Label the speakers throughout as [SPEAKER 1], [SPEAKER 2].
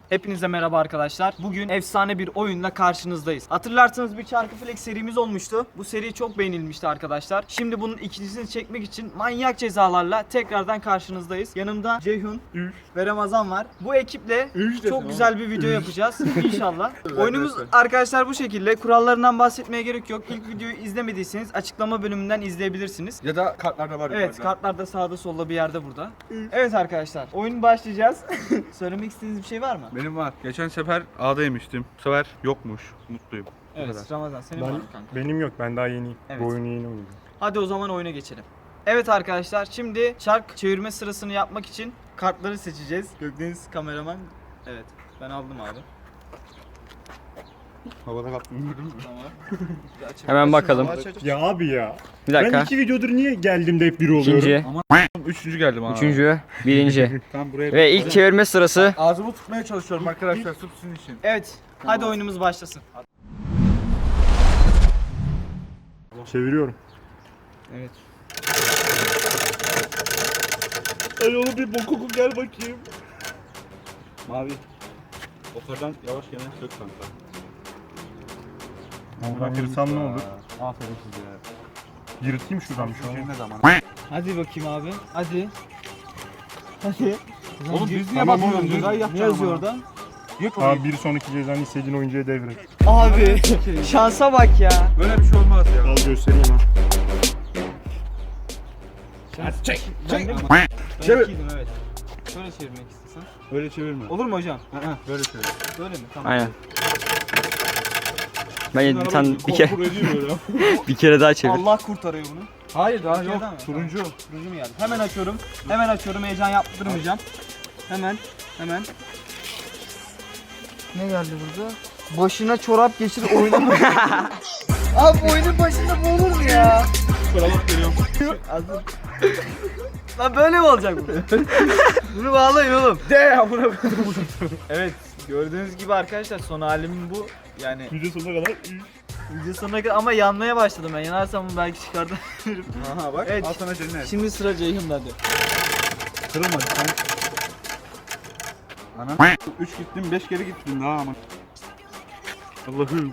[SPEAKER 1] Hepinize merhaba arkadaşlar. Bugün efsane bir oyunla karşınızdayız. Hatırlarsanız bir Çarkı Felek serimiz olmuştu. Bu seri çok beğenilmişti arkadaşlar. Şimdi bunun ikincisini çekmek için manyak cezalarla tekrardan karşınızdayız. Yanımda Ceyhun ve Ramazan var. Bu ekiple çok güzel bir video yapacağız inşallah. Oyunumuz arkadaşlar bu şekilde. Kurallarından bahsetmeye gerek yok. İlk videoyu izlemediyseniz açıklama bölümünden izleyebilirsiniz.
[SPEAKER 2] Ya da kartlarda var.
[SPEAKER 1] Evet, kartlarda sağda solda bir yerde burada. Evet arkadaşlar, oyun başlayacağız. Söylemek istediğiniz bir şey var mı?
[SPEAKER 2] Benim var. Geçen sefer A'da yemiştim. Bu sefer yokmuş. Mutluyum. Bu kadar.
[SPEAKER 1] Evet, Ramazan senin var mı kanka?
[SPEAKER 3] Benim yok, ben daha yeniyim.
[SPEAKER 1] Evet.
[SPEAKER 3] Bu oyunu yeni oynuyorum.
[SPEAKER 1] Hadi o zaman oyuna geçelim. Evet arkadaşlar, şimdi çark çevirme sırasını yapmak için kartları seçeceğiz. Gökdeniz kameraman. Evet, ben aldım abi.
[SPEAKER 2] Havada kaptım.
[SPEAKER 1] Tamam.
[SPEAKER 4] Hemen bakalım.
[SPEAKER 3] Ya abi ya.
[SPEAKER 4] Bir
[SPEAKER 3] Ben
[SPEAKER 4] dakika.
[SPEAKER 3] 2 videodur niye geldiğimde hep biri oluyorum?
[SPEAKER 4] İkinci,
[SPEAKER 2] Üçüncü geldim abi.
[SPEAKER 4] üçüncü, birinci.
[SPEAKER 2] Tam buraya.
[SPEAKER 4] Ve ilk çevirme sırası.
[SPEAKER 2] Ağzımı tutmaya çalışıyorum arkadaşlar sırf sizin için.
[SPEAKER 1] Evet, hadi oyunumuz başlasın.
[SPEAKER 3] Çeviriyorum.
[SPEAKER 1] Evet.
[SPEAKER 2] Ay oğlum bir bokuku gel bakayım. Mavi. Okardan yavaş gene sök kanka.
[SPEAKER 3] Oradan yırtsam ne olur?
[SPEAKER 2] Aferin size ya.
[SPEAKER 3] Yırtayım şuradan bir şey olmaz.
[SPEAKER 2] Ne zaman?
[SPEAKER 1] Hadi bakayım abi. Hadi. Hadi.
[SPEAKER 2] Oğlum biz niye
[SPEAKER 3] Tamam
[SPEAKER 2] bakıyoruz?
[SPEAKER 3] oğlum,
[SPEAKER 2] Cezayı
[SPEAKER 1] Ne
[SPEAKER 2] yapacağım
[SPEAKER 1] yazıyor
[SPEAKER 2] ama.
[SPEAKER 1] orada?
[SPEAKER 2] Yık
[SPEAKER 3] Tamam,
[SPEAKER 2] onu.
[SPEAKER 3] bir sonraki cezanı istediğin oyuncuya devret.
[SPEAKER 1] Abi, şansa bak ya.
[SPEAKER 2] Böyle bir şey olmaz ya.
[SPEAKER 3] Al göstereyim ha.
[SPEAKER 2] Çek.
[SPEAKER 1] Ben de
[SPEAKER 2] Çevir.
[SPEAKER 1] ikiydim, evet. Şöyle çevirmek istesen.
[SPEAKER 2] Böyle çevirme.
[SPEAKER 1] Olur mu hocam?
[SPEAKER 2] Böyle çevir.
[SPEAKER 1] Böyle mi? Tamam.
[SPEAKER 4] Aynen. Ben bir tane bir kere daha çevir.
[SPEAKER 1] Allah kurtarıyor bunu.
[SPEAKER 2] Hayır daha
[SPEAKER 1] Türkiye'de
[SPEAKER 2] yok.
[SPEAKER 1] mi?
[SPEAKER 2] Turuncu.
[SPEAKER 1] Turuncu mu geldi? Hemen açıyorum. Hemen açıyorum. Heyecan yaptırmayacağım. Hemen. Ne geldi burada? Başına çorap geçir oynama. Abi oyunun başında bu olur mu ya?
[SPEAKER 2] Kravat geliyorum.
[SPEAKER 1] Hazır. Lan böyle mi olacak bu? Bunu bağlayın oğlum.
[SPEAKER 2] De ya buna.
[SPEAKER 1] Evet. Gördüğünüz gibi arkadaşlar son halim bu. Yani
[SPEAKER 3] Video sonuna kadar
[SPEAKER 1] video sonuna kadar ama yanmaya başladım ben. Yanarsam bunu belki çıkartabilirim.
[SPEAKER 2] Aha bak.
[SPEAKER 1] Evet.
[SPEAKER 2] Al sana cennet.
[SPEAKER 1] Şimdi sıra Ceyhun'da hadi.
[SPEAKER 2] Kırılmadı sen. Ana. 3 gittin 5 kere gittin daha ama. Allah'ım.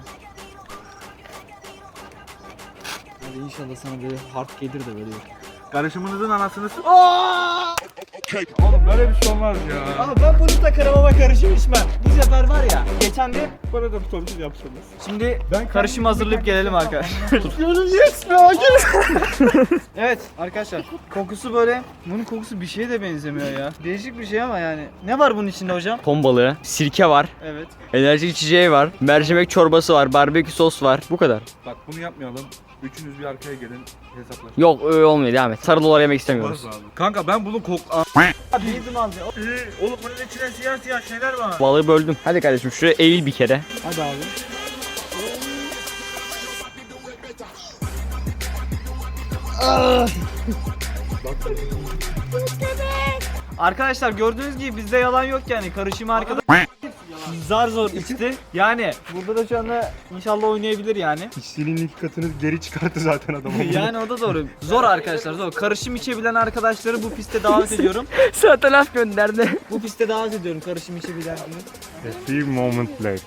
[SPEAKER 1] Hadi inşallah sana böyle hard gelir de böyle.
[SPEAKER 2] Karışımınızın anasını s***. Oğlum böyle bir şey olmaz ya.
[SPEAKER 1] Ama ben bunu takarım ama karışım içmem. Bu sefer var ya. Geçen de
[SPEAKER 2] Bana da bir sonuç yapsanız.
[SPEAKER 1] şimdi
[SPEAKER 2] Ben
[SPEAKER 1] karışım hazırlayıp gelelim arkadaşlar.
[SPEAKER 2] Yes be
[SPEAKER 1] Evet arkadaşlar kokusu böyle, bunun kokusu bir şeye de benzemiyor ya. Değişik bir şey ama yani. Ne var bunun içinde hocam?
[SPEAKER 4] Ton balığı, sirke var,
[SPEAKER 1] Evet.
[SPEAKER 4] enerji içeceği var, mercimek çorbası var, barbekü sos var. Bu kadar.
[SPEAKER 2] Bak bunu yapmayalım. Üçünüz bir arkaya gelin hesaplaşın.
[SPEAKER 4] Yok öyle olmuyor, devam et. Sarı dolar yemek istemiyoruz.
[SPEAKER 2] Kanka ben bunu
[SPEAKER 1] Hadi yedim abi.
[SPEAKER 2] Oğlum bunun içine siyah siyah şeyler var.
[SPEAKER 4] Balığı böldüm. Hadi kardeşim şuraya eğil bir kere.
[SPEAKER 1] Hadi abi. Arkadaşlar gördüğünüz gibi bizde yalan yok yani, karışımı arkada zar zor içti. Yani burada da şu anda inşallah oynayabilir yani.
[SPEAKER 3] İçtiğinin 2 katını geri çıkarttı zaten adam.
[SPEAKER 1] Yani o da doğru. Zor arkadaşlar, zor. Karışım içebilen arkadaşları bu piste davet ediyorum.
[SPEAKER 4] Zaten laf gönderdi.
[SPEAKER 1] Bu piste davet ediyorum karışım içebilenleri.
[SPEAKER 3] A few moments later.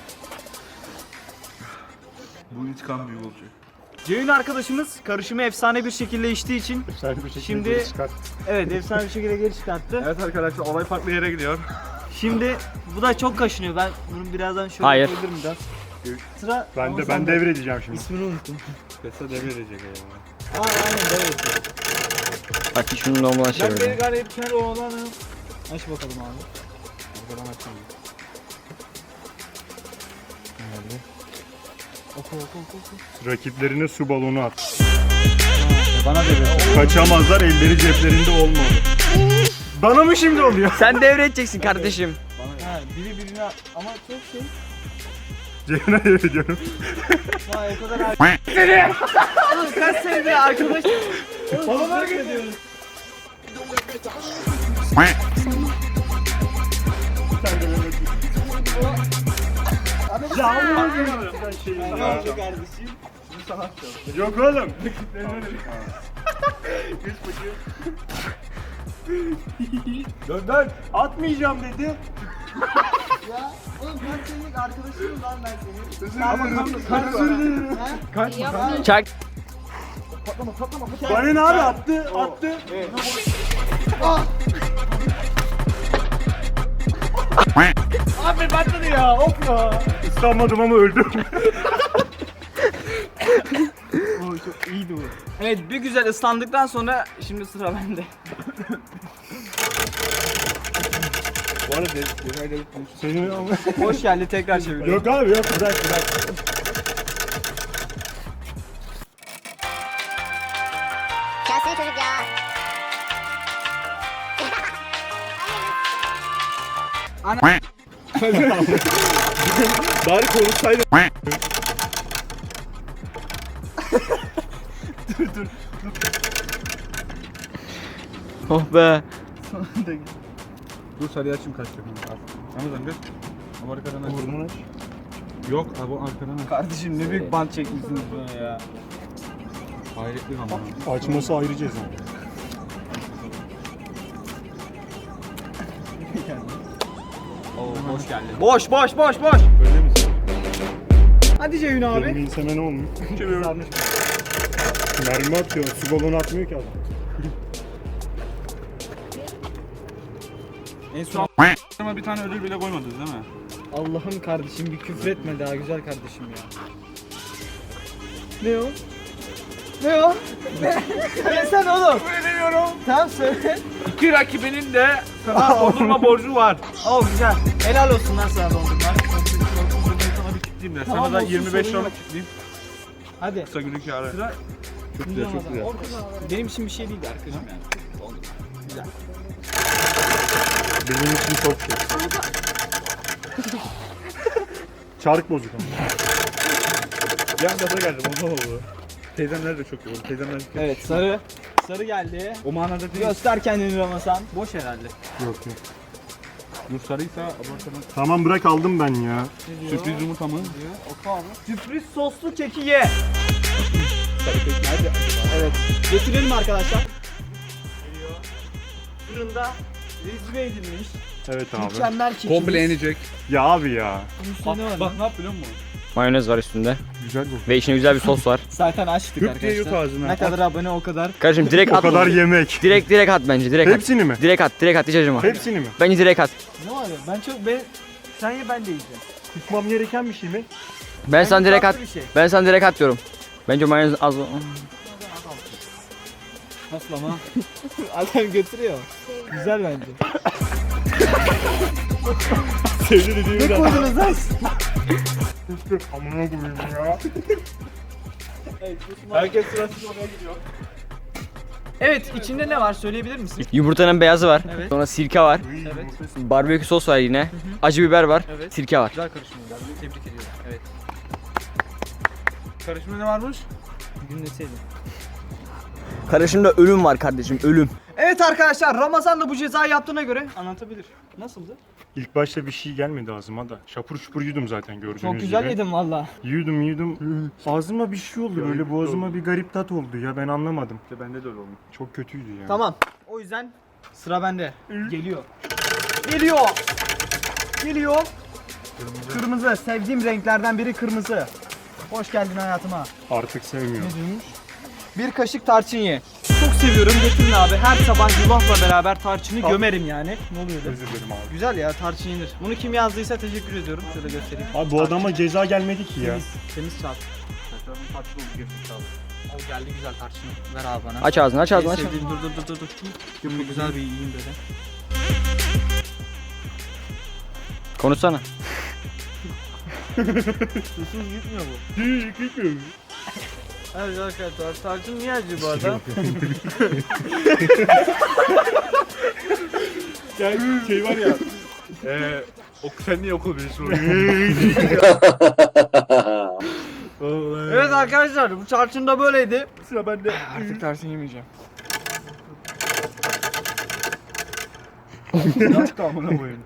[SPEAKER 2] Bu intikam büyük olacak.
[SPEAKER 1] Ceyhun arkadaşımız karışımı efsane bir şekilde içtiği için
[SPEAKER 3] Sen bir şekilde
[SPEAKER 1] Şimdi-
[SPEAKER 3] geri çıkart.
[SPEAKER 1] evet efsane bir şekilde geri çıkarttı.
[SPEAKER 2] Evet arkadaşlar olay farklı yere gidiyor.
[SPEAKER 1] Şimdi bu da çok kaşınıyor. Ben bunu birazdan şöyle
[SPEAKER 4] Hayır.
[SPEAKER 1] koyabilirim biraz. Sıra
[SPEAKER 3] Ben devredeceğim şimdi.
[SPEAKER 1] İsmini unuttum.
[SPEAKER 2] Kesa devirecek ya.
[SPEAKER 1] Aynen evet.
[SPEAKER 4] Bak şunu normal
[SPEAKER 1] Ben
[SPEAKER 4] çevirdim.
[SPEAKER 1] beni galip kendi oğlanı. Aç bakalım abi.
[SPEAKER 2] Arkadan açalım.
[SPEAKER 1] Oku.
[SPEAKER 3] Rakiplerine su balonu at.
[SPEAKER 1] Bana devret.
[SPEAKER 3] Kaçamazlar, elleri ceplerinde olmalı. Bana mı şimdi oluyor?
[SPEAKER 4] Sen devredeceksin kardeşim.
[SPEAKER 1] Ha, biri birine ama çok şey.
[SPEAKER 3] Ceyhun'a devrediyorum.
[SPEAKER 1] Vay o kadar Oğlum kaç senedir arkadaş. Bana fark ediyoruz. Ne oldu kardeşim?
[SPEAKER 3] Yok oğlum.
[SPEAKER 2] Dön.
[SPEAKER 3] Atmayacağım dedi.
[SPEAKER 1] Ya oğlum ben senin arkadaşınım lan ben senin. Kaçma.
[SPEAKER 4] Çak.
[SPEAKER 3] Bana ne abi attı.
[SPEAKER 1] Abi patladı ya hop ya.
[SPEAKER 3] Islanmadım ama öldüm.
[SPEAKER 1] İyiydi bu. Evet bir güzel ıslandıktan sonra şimdi sıra bende.
[SPEAKER 2] Bu arada detayları
[SPEAKER 3] Senin ama.
[SPEAKER 1] Hoş geldi tekrar çeviriyorum.
[SPEAKER 3] Yok abi yok bırak.
[SPEAKER 5] Gelsene çocuk ya.
[SPEAKER 2] bari konuşsaydı.
[SPEAKER 4] Oh be.
[SPEAKER 2] Dur sarıyı açayım kaçacak. Ramazan gör. Ama arkadan aç.
[SPEAKER 3] Burnunu aç.
[SPEAKER 2] Yok abi o arkadan aç.
[SPEAKER 1] Kardeşim ne büyük bant çekmişsiniz bana ya.
[SPEAKER 2] Hayretli ama.
[SPEAKER 3] Açması ayrı ceza.
[SPEAKER 1] Oo hoş geldin. Boş boş boş boş.
[SPEAKER 2] Öyle misin?
[SPEAKER 1] Hadi Ceyhun
[SPEAKER 3] Benim
[SPEAKER 1] abi.
[SPEAKER 3] inseme ne olmuyor? Mermi atıyor. Su balonu atmıyor ki adam.
[SPEAKER 1] En son
[SPEAKER 2] Ama bir tane ödül bile koymadınız değil mi?
[SPEAKER 1] Allah'ım kardeşim bir küfür etme daha güzel kardeşim ya. Ne o? Ne o? Ne? Söylesene oğlum.
[SPEAKER 2] Söylemiyorum.
[SPEAKER 1] Tamam söyle.
[SPEAKER 2] İki rakibinin de sana dondurma borcu var.
[SPEAKER 1] Oo güzel. Helal olsun lan sana dondurma.
[SPEAKER 2] Sana bir kitleyeyim de.
[SPEAKER 1] Tamam,
[SPEAKER 2] Sana da
[SPEAKER 1] olsun,
[SPEAKER 2] 25
[SPEAKER 1] sorun
[SPEAKER 2] liralık
[SPEAKER 1] yok.
[SPEAKER 2] kitleyeyim.
[SPEAKER 1] Hadi.
[SPEAKER 2] Kısa günlük kârı.
[SPEAKER 1] Sıra
[SPEAKER 2] Çok güzel çok güzel.
[SPEAKER 1] benim için bir şey değildi arkadaşım yani. Güzel.
[SPEAKER 3] Benim için çok şey. Çark bozuk ama.
[SPEAKER 2] Yan gaza geldim ondan oldu. Teyzemler de çok iyi oldu. Teyzemler
[SPEAKER 1] Evet sarı. Sarı geldi.
[SPEAKER 2] o manada değil.
[SPEAKER 1] Göster kendini Ramazan. Boş herhalde.
[SPEAKER 3] Yok yok.
[SPEAKER 2] Dur sarıysa abartmadan.
[SPEAKER 3] Tamam bırak aldım ben ya.
[SPEAKER 2] Sürpriz yumurta mı?
[SPEAKER 1] Oku abi. Sürpriz soslu keki ye.
[SPEAKER 2] Sarı kek nerede?
[SPEAKER 1] Evet. Getirelim arkadaşlar. Geliyor. Fırında rezile edilmiş.
[SPEAKER 3] Evet abi.
[SPEAKER 1] Mükemmel kekimiz.
[SPEAKER 2] Komple yenecek.
[SPEAKER 3] Ya abi ya.
[SPEAKER 1] Bunun üstünde ne var?
[SPEAKER 2] Bak ne yap biliyor musun?
[SPEAKER 4] Mayonez var üstünde.
[SPEAKER 3] Güzel bu.
[SPEAKER 4] Ve içine güzel bir sos var.
[SPEAKER 1] Zaten açtık
[SPEAKER 2] Hüp diye yut
[SPEAKER 1] arkadaşlar.
[SPEAKER 2] ağzına.
[SPEAKER 1] Ne kadar abone o kadar.
[SPEAKER 4] Kardeşim direkt
[SPEAKER 3] O
[SPEAKER 4] at.
[SPEAKER 3] kadar yemek.
[SPEAKER 4] Direkt at bence. Direkt at.
[SPEAKER 3] Hepsini mi?
[SPEAKER 4] Direkt at hiç acıma.
[SPEAKER 3] Hepsini mi?
[SPEAKER 4] Bence direkt at.
[SPEAKER 1] Ne var ya? Sen ye ben de yiyeceğim.
[SPEAKER 3] Kusmam gereken bir şey mi?
[SPEAKER 4] Ben sana direkt at.
[SPEAKER 1] tatlı bir şey.
[SPEAKER 4] Ben sana direkt at diyorum. Bence mayonez az.
[SPEAKER 1] Nasıl ama? Adam götürüyor. Güzel bence.
[SPEAKER 3] Sevdi dediğimi
[SPEAKER 1] Ne
[SPEAKER 3] de.
[SPEAKER 1] koydunuz lan?
[SPEAKER 3] Amına koyayım ya.
[SPEAKER 2] Herkes sırasız oraya gidiyor.
[SPEAKER 1] Evet içinde ne var söyleyebilir misin?
[SPEAKER 4] Yumurtanın beyazı var.
[SPEAKER 1] Evet.
[SPEAKER 4] Sonra sirke var.
[SPEAKER 1] Evet.
[SPEAKER 4] Barbekü sos var yine. Acı biber var.
[SPEAKER 1] Evet.
[SPEAKER 4] Sirke var.
[SPEAKER 1] Güzel karışım geldi. Tebrik ediyorum. Evet.
[SPEAKER 2] Karışımda ne varmış?
[SPEAKER 1] Dinleseydin.
[SPEAKER 4] Karışımda ölüm var kardeşim ölüm.
[SPEAKER 1] Evet arkadaşlar Ramazan da bu cezayı yaptığına göre anlatabilir. Nasıldı?
[SPEAKER 3] İlk başta bir şey gelmedi ağzıma da. Şapur şupur yudum zaten gördüğünüz
[SPEAKER 1] Çok güzel
[SPEAKER 3] gibi.
[SPEAKER 1] yedim valla.
[SPEAKER 3] Yudum. Ağzıma bir şey oldu böyle boğazıma bir garip tat oldu ya ben anlamadım.
[SPEAKER 2] İşte bende de öyle oldu.
[SPEAKER 3] Çok kötüydü ya.
[SPEAKER 1] Tamam. O yüzden sıra bende. Geliyor. Geliyor. Kırmızı. Sevdiğim renklerden biri kırmızı. Hoş geldin hayatıma.
[SPEAKER 3] Artık sevmiyorum.
[SPEAKER 1] Bir kaşık tarçın ye. Çok seviyorum. Getirin abi. Her sabah yulafla beraber tarçını gömerim yani. Ne oluyor da?
[SPEAKER 3] Özür dilerim abi.
[SPEAKER 1] Güzel ya tarçın yenir. Bunu kim yazdıysa teşekkür ediyorum. Şöyle göstereyim.
[SPEAKER 3] Abi bu adama ceza gelmedi ki ya.
[SPEAKER 1] Temiz çarp.
[SPEAKER 2] Saçlarımın tatlı oldu gerçekten abi.
[SPEAKER 1] O geldi güzel tarçını. Ver abi bana.
[SPEAKER 4] Aç ağzını aç ağzını
[SPEAKER 1] En
[SPEAKER 4] aç.
[SPEAKER 1] sevdiğim dur. Bunu güzel bir yiyeyim böyle.
[SPEAKER 4] Konuşsana.
[SPEAKER 1] Susuz gitmiyor bu.
[SPEAKER 3] Gitmiyor.
[SPEAKER 1] Evet arkadaşlar tarçın niye acı bu arada?
[SPEAKER 2] Ya şey var ya. Sen niye okul birisi
[SPEAKER 1] Evet arkadaşlar bu tarçın da böyleydi.
[SPEAKER 2] Sıra bende.
[SPEAKER 1] Artık tarçın yemeyeceğim.
[SPEAKER 2] Yaptı amına koyayım.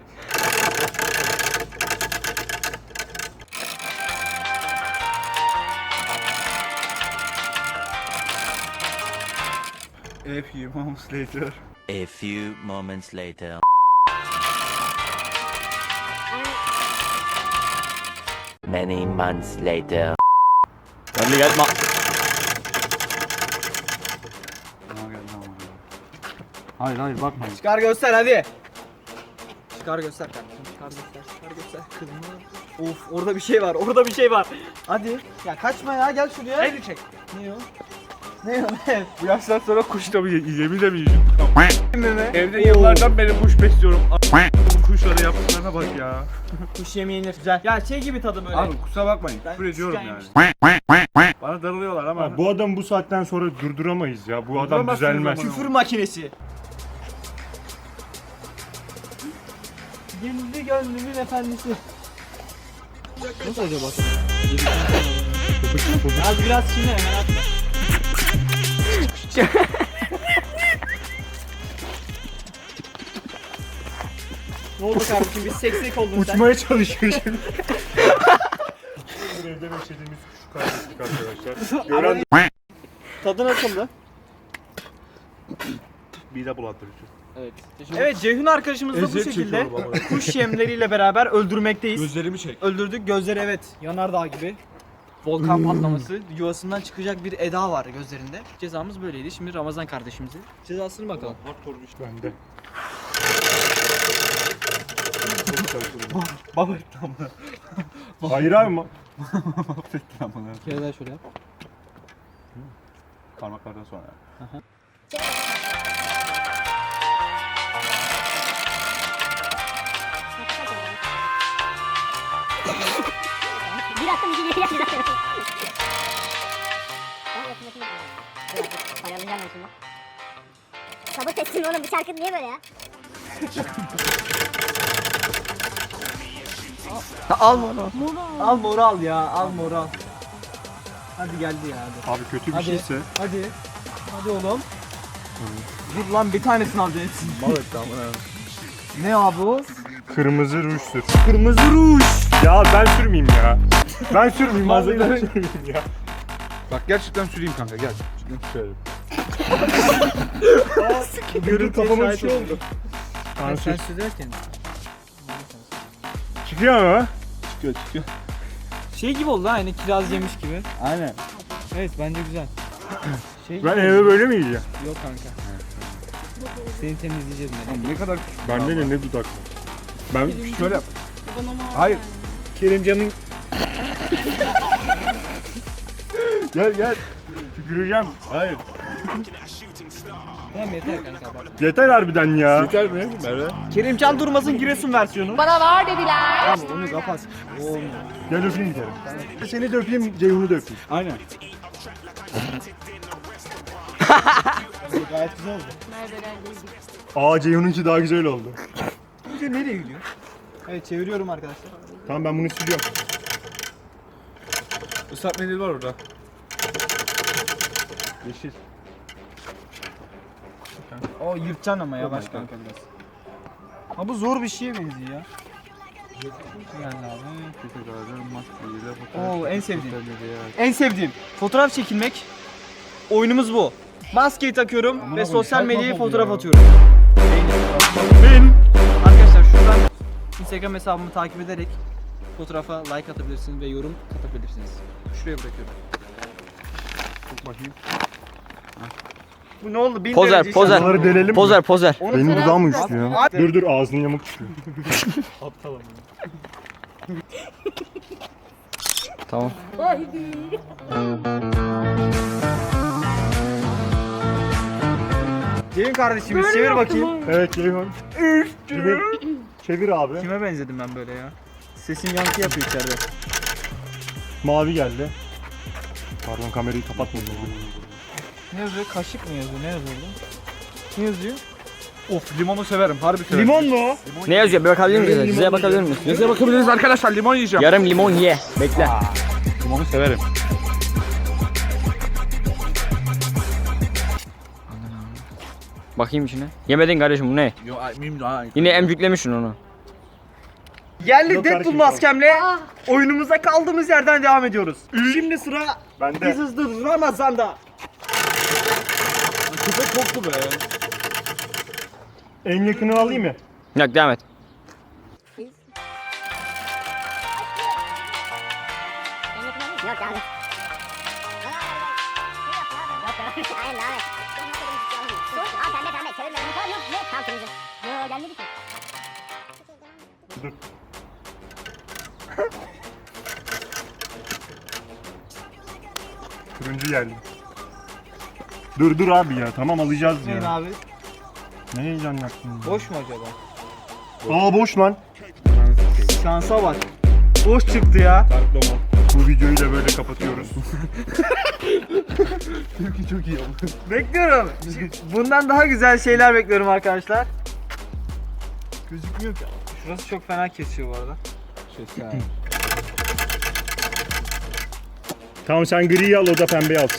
[SPEAKER 2] A few moments later.
[SPEAKER 6] A few moments later. Many months later.
[SPEAKER 4] Hadi gel.
[SPEAKER 2] Hayır hayır bakma.
[SPEAKER 1] Çıkar göster hadi. Çıkar göster kardeşim. Çıkar göster. Kızım. Of orada bir şey var. Orada bir şey var. Hadi. Ya kaçma ya gel şuraya.
[SPEAKER 3] Elini çek.
[SPEAKER 1] Ne o? Ne o? Ne?
[SPEAKER 3] Bu yaştan sonra kuş tabii yemin de mi yiyeceğim?
[SPEAKER 1] Mi?
[SPEAKER 3] Evde yıllardan beri kuş besliyorum. Bu kuşlara yaptıklarına bak ya.
[SPEAKER 1] Kuş yemeği yenir. Güzel. Ya şey gibi tadı böyle.
[SPEAKER 2] Abi kusura bakmayın.
[SPEAKER 1] Ben
[SPEAKER 2] Küfür ediyorum
[SPEAKER 1] küçükken
[SPEAKER 2] yani. Bana darılıyorlar ama.
[SPEAKER 3] Ya bu adam bu saatten sonra durduramayız ya. Bu adam
[SPEAKER 2] Durduramazsınız
[SPEAKER 3] düzelmez.
[SPEAKER 2] ama.
[SPEAKER 1] Küfür makinesi. Gizli gönlümün efendisi. Nasıl acaba? Az biraz çiğne hemen atma. Ne oldu kardeşim? Biz seksek oldun sen.
[SPEAKER 3] Uçmaya çalışıyor şimdi. Evde beslediğimiz kuş kaybettik arkadaşlar. Gören
[SPEAKER 1] Tadı nasıldı?
[SPEAKER 2] Mide bulandırıcı.
[SPEAKER 1] Evet Ceyhun arkadaşımızı da bu şekilde kuş yemleriyle beraber öldürmekteyiz.
[SPEAKER 2] Gözlerimi çek.
[SPEAKER 1] Öldürdük. Gözleri evet yanardağ gibi. Volkan patlaması. Yuvasından çıkacak bir eda var gözlerinde. Cezamız böyleydi. Şimdi Ramazan kardeşimize cezasını bakalım.
[SPEAKER 3] bende.
[SPEAKER 2] Baba tamam.
[SPEAKER 3] Hayır abi mi?
[SPEAKER 1] Kere daha şöyle yap.
[SPEAKER 2] Parmaklardan sonra.
[SPEAKER 5] Bir attım iki geri yapacağım. Paralayacağım ben şimdi. Sabır teslim oğlum bu şarkı niye böyle ya?
[SPEAKER 4] Al bunu.
[SPEAKER 1] Al moral ya. Al moral. Hadi geldi ya hadi.
[SPEAKER 3] Abi kötü bir
[SPEAKER 1] Hadi.
[SPEAKER 3] şeyse.
[SPEAKER 1] Hadi. Hadi oğlum. Dur lan bir tanesini alacaksın.
[SPEAKER 2] Evet tamam.
[SPEAKER 1] Ne abi o?
[SPEAKER 3] Kırmızı ruj sür.
[SPEAKER 1] Kırmızı ruj.
[SPEAKER 3] Ya ben sürmeyeyim ya. Ben sürmeyeyim. Ağzından sürmeyeyim ya.
[SPEAKER 2] Bak gerçekten süreyim kanka gel. Cidden sürerim.
[SPEAKER 3] Görün kafama bir şey oldu.
[SPEAKER 1] Sen
[SPEAKER 3] Sen
[SPEAKER 1] sürerken.
[SPEAKER 3] çıkıyor mu?
[SPEAKER 2] Çıkıyor.
[SPEAKER 1] Şey gibi oldu ha aynı kiraz yemiş gibi.
[SPEAKER 2] Aynen.
[SPEAKER 1] Evet bence güzel. Şey
[SPEAKER 3] Ben eve böyle mi yiyeceğim?
[SPEAKER 1] Yok kanka. Seni temizleyeceğiz ben.
[SPEAKER 2] Ne kadar
[SPEAKER 3] Bende de ne dudak var. Ben
[SPEAKER 2] şöyle yap. Hayır.
[SPEAKER 3] Kerimcan'ın... gel. Tüküreceğim.
[SPEAKER 2] Hayır.
[SPEAKER 1] Tamam yeter kanka bak.
[SPEAKER 3] Yeter harbiden ya.
[SPEAKER 2] Yeter mi Merve?
[SPEAKER 1] Kerimcan Durmaz'ın Giresun versiyonu.
[SPEAKER 7] Bana var dediler.
[SPEAKER 1] Tamam onu kapat.
[SPEAKER 3] Gel öpeyim bir kere. Seni de öpeyim, Ceyhun'u da öpeyim.
[SPEAKER 2] Aynen.
[SPEAKER 1] Gayet güzel oldu.
[SPEAKER 3] Aa Ceyhun'unki daha güzel oldu.
[SPEAKER 1] Bence nereye gidiyor? Evet çeviriyorum arkadaşlar.
[SPEAKER 3] Tamam ben bunu siliyorum.
[SPEAKER 2] Islak mendil var orada. Yeşil.
[SPEAKER 1] O yırtacaksın ama yavaş kanka biraz. Ha bu zor bir şeye benziyor ya. Yani abi. Oo en sevdiğim. En sevdiğim. Fotoğraf çekilmek. Oyunumuz bu. Maskeyi takıyorum ve sosyal medyaya fotoğraf atıyorum. Arkadaşlar şuradan Instagram hesabımı takip ederek fotoğrafa like atabilirsiniz ve yorum katabilirsiniz. Şuraya bırakıyorum.
[SPEAKER 2] Bakayım.
[SPEAKER 1] Bu ne oldu? 1000
[SPEAKER 4] Pozer,
[SPEAKER 1] derece
[SPEAKER 4] pozer.
[SPEAKER 1] inşallah.
[SPEAKER 3] Bunları delelim mi?
[SPEAKER 4] Pozer.
[SPEAKER 3] Benim dudağım mı güçlü ya?
[SPEAKER 1] At.
[SPEAKER 3] Dur ağzının yamuk çıkıyor.
[SPEAKER 4] Tamam.
[SPEAKER 1] Ceyhun kardeşimiz çevir bakayım.
[SPEAKER 3] Evet Ceyhun. Çevir abi.
[SPEAKER 1] Kime benzedim ben böyle ya? Sesim yankı yapıyor içeride.
[SPEAKER 3] Mavi geldi. Pardon kamerayı kapatmadım.
[SPEAKER 1] Ne yazıyor? Kaşık mı yazıyor? Ne yazıyor orada? Ne yazıyor?
[SPEAKER 2] Of limonu severim. Harbi severim.
[SPEAKER 1] Limon mu?
[SPEAKER 4] Ne yazıyor? Bir bakabilir miyiz? Size bakabilir miyiz?
[SPEAKER 2] Size bakabiliriz arkadaşlar. Limon yiyeceğim.
[SPEAKER 4] Yarım limon ye. Bekle.
[SPEAKER 2] Limonu severim.
[SPEAKER 4] Bakayım içine. Yemedin kardeşim bu ne?
[SPEAKER 2] Yo miyim daha.
[SPEAKER 4] Yine emcüklemişsin onu.
[SPEAKER 1] Geldik
[SPEAKER 3] Yok
[SPEAKER 1] Deadpool
[SPEAKER 3] kardeşim,
[SPEAKER 1] maskemle. Oyunumuza kaldığımız yerden devam ediyoruz. Şimdi sıra
[SPEAKER 3] Bende.
[SPEAKER 1] Biz Hızlı Ramazan'da.
[SPEAKER 2] Köpek koktu be.
[SPEAKER 3] En yakını alayım mı?
[SPEAKER 4] Yok devam et.
[SPEAKER 5] Yok devam et. Aynen devam et. Aa pembe çevirme. Yok tam turuncu. Yok gelmedi ki.
[SPEAKER 3] Turuncu geldi. Dur abi ya, tamam alacağız
[SPEAKER 1] Neyin
[SPEAKER 3] ya.
[SPEAKER 1] abi?
[SPEAKER 3] Ne heyecan yaptın ya?
[SPEAKER 1] Boş mu acaba?
[SPEAKER 3] Aa boş lan.
[SPEAKER 1] Şansa bak. Boş çıktı ya.
[SPEAKER 2] Tarıklama.
[SPEAKER 3] Bu videoyu da böyle kapatıyoruz.
[SPEAKER 2] Çünkü çok iyi oldu.
[SPEAKER 1] Bekliyorum. Bundan daha güzel şeyler bekliyorum arkadaşlar. Gözükmüyor ki. Şurası çok fena kesiyor bu arada.
[SPEAKER 3] Tamam sen griyi al, o da pembeyi alsın.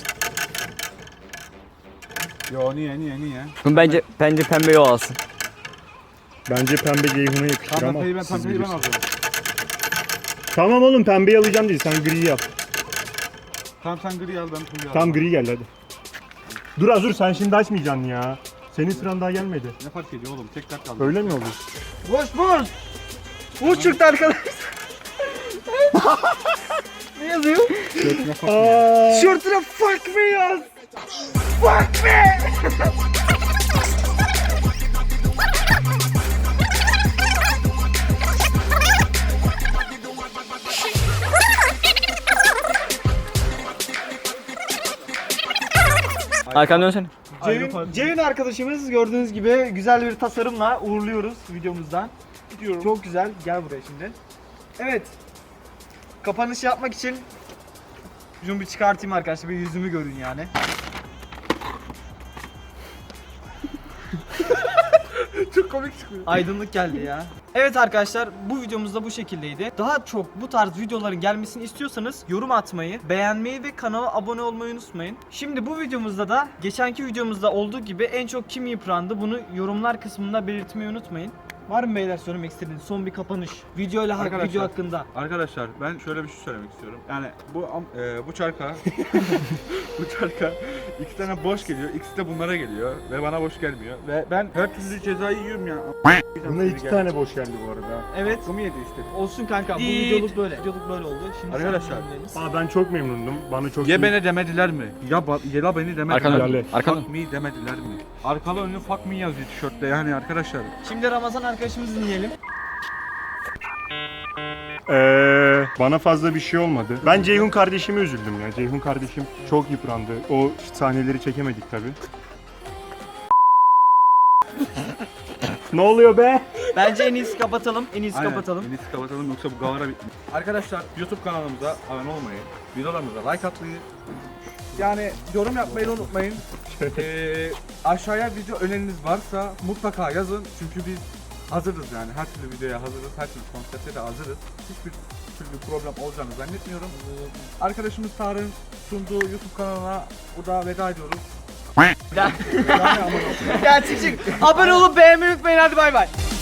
[SPEAKER 2] Yo niye?
[SPEAKER 4] Bence pembe o alsın.
[SPEAKER 3] Bence pembe Ceyhun'a yakışır
[SPEAKER 2] Tamam
[SPEAKER 3] ama
[SPEAKER 2] pembeyi ben
[SPEAKER 3] siz
[SPEAKER 2] alacağım.
[SPEAKER 3] bilirsiniz. Tamam oğlum, pembeyi alacağım değil, sen griyi al.
[SPEAKER 2] Tamam sen gri al ben turuncu al.
[SPEAKER 3] Tam gri geldi hadi. Dur sen şimdi açmayacaksın ya. Senin sıran daha gelmedi.
[SPEAKER 2] Ne fark ediyor oğlum? Tek tek kaldı.
[SPEAKER 3] Öyle mi oldu?
[SPEAKER 1] Boş. Boş çıktı arkadaşlar. Ne yazıyor? Şortuna fuck me yaz. Fuck me.
[SPEAKER 4] Arkanı dönsene.
[SPEAKER 1] Ceyhun arkadaşımız gördüğünüz gibi güzel bir tasarımla uğurluyoruz videomuzdan.
[SPEAKER 2] Gidiyorum.
[SPEAKER 1] Çok güzel. Gel buraya şimdi. Evet. Kapanış yapmak için şunu bir çıkartayım arkadaşlar. Bir yüzümü görün yani.
[SPEAKER 2] Çok komik çıkıyor.
[SPEAKER 1] Aydınlık geldi ya. Evet arkadaşlar, bu videomuz da bu şekildeydi. Daha çok bu tarz videoların gelmesini istiyorsanız yorum atmayı, beğenmeyi ve kanala abone olmayı unutmayın. Şimdi bu videomuzda da geçenki videomuzda olduğu gibi en çok kim yıprandı bunu yorumlar kısmında belirtmeyi unutmayın. Var mı beyler söylemek istediğiniz son bir kapanış?
[SPEAKER 2] Arkadaşlar.
[SPEAKER 1] Video hakkında.
[SPEAKER 2] Arkadaşlar ben şöyle bir şey söylemek istiyorum. Yani bu çarka bu çarka iki tane boş geliyor. İkisi de bunlara geliyor ve bana boş gelmiyor. Ve ben her türlü cezayı yiyorum ya.
[SPEAKER 3] Buna 2 tane boş geldi bu arada.
[SPEAKER 1] Evet.
[SPEAKER 2] Hakkımı yedi işte.
[SPEAKER 1] Olsun kanka. Bu
[SPEAKER 2] Değil.
[SPEAKER 1] videoluk böyle. Videoluk böyle oldu. Şimdi
[SPEAKER 2] Arkadaşlar.
[SPEAKER 3] Aa ben çok memnundum. Bana çok
[SPEAKER 2] Ye
[SPEAKER 3] iyi.
[SPEAKER 2] beni demediler mi? Ya beni demediler
[SPEAKER 4] Arkanı
[SPEAKER 2] mi?
[SPEAKER 4] dön. Arkanı dön.
[SPEAKER 2] Fuck me demediler mi? Arkalı önlü fuck me yazıyor tişörtte yani arkadaşlar.
[SPEAKER 1] Şimdi Ramazan arkadaşımızı dinleyelim.
[SPEAKER 3] Bana fazla bir şey olmadı. Ben Ceyhun kardeşime üzüldüm ya. Ceyhun kardeşim çok yıprandı. O sahneleri çekemedik tabi. Ne oluyor be?
[SPEAKER 1] Bence en iyisi kapatalım. En iyisi
[SPEAKER 2] Aynen.
[SPEAKER 1] kapatalım.
[SPEAKER 2] En iyisi kapatalım yoksa bu gavara bitmiyor. Arkadaşlar YouTube kanalımıza abone olmayı, videolarımıza like atmayı, yani yorum yapmayı unutmayın. Aşağıya video öneriniz varsa mutlaka yazın çünkü biz hazırız yani her türlü videoya hazırız, her türlü konsepte de hazırız. Hiçbir türlü problem olacağını zannetmiyorum. Arkadaşımız Tarık'ın sunduğu YouTube kanalına burada veda ediyoruz.
[SPEAKER 1] Gel çık. Abone olup beğenmeyi unutmayın. Hadi bay bay.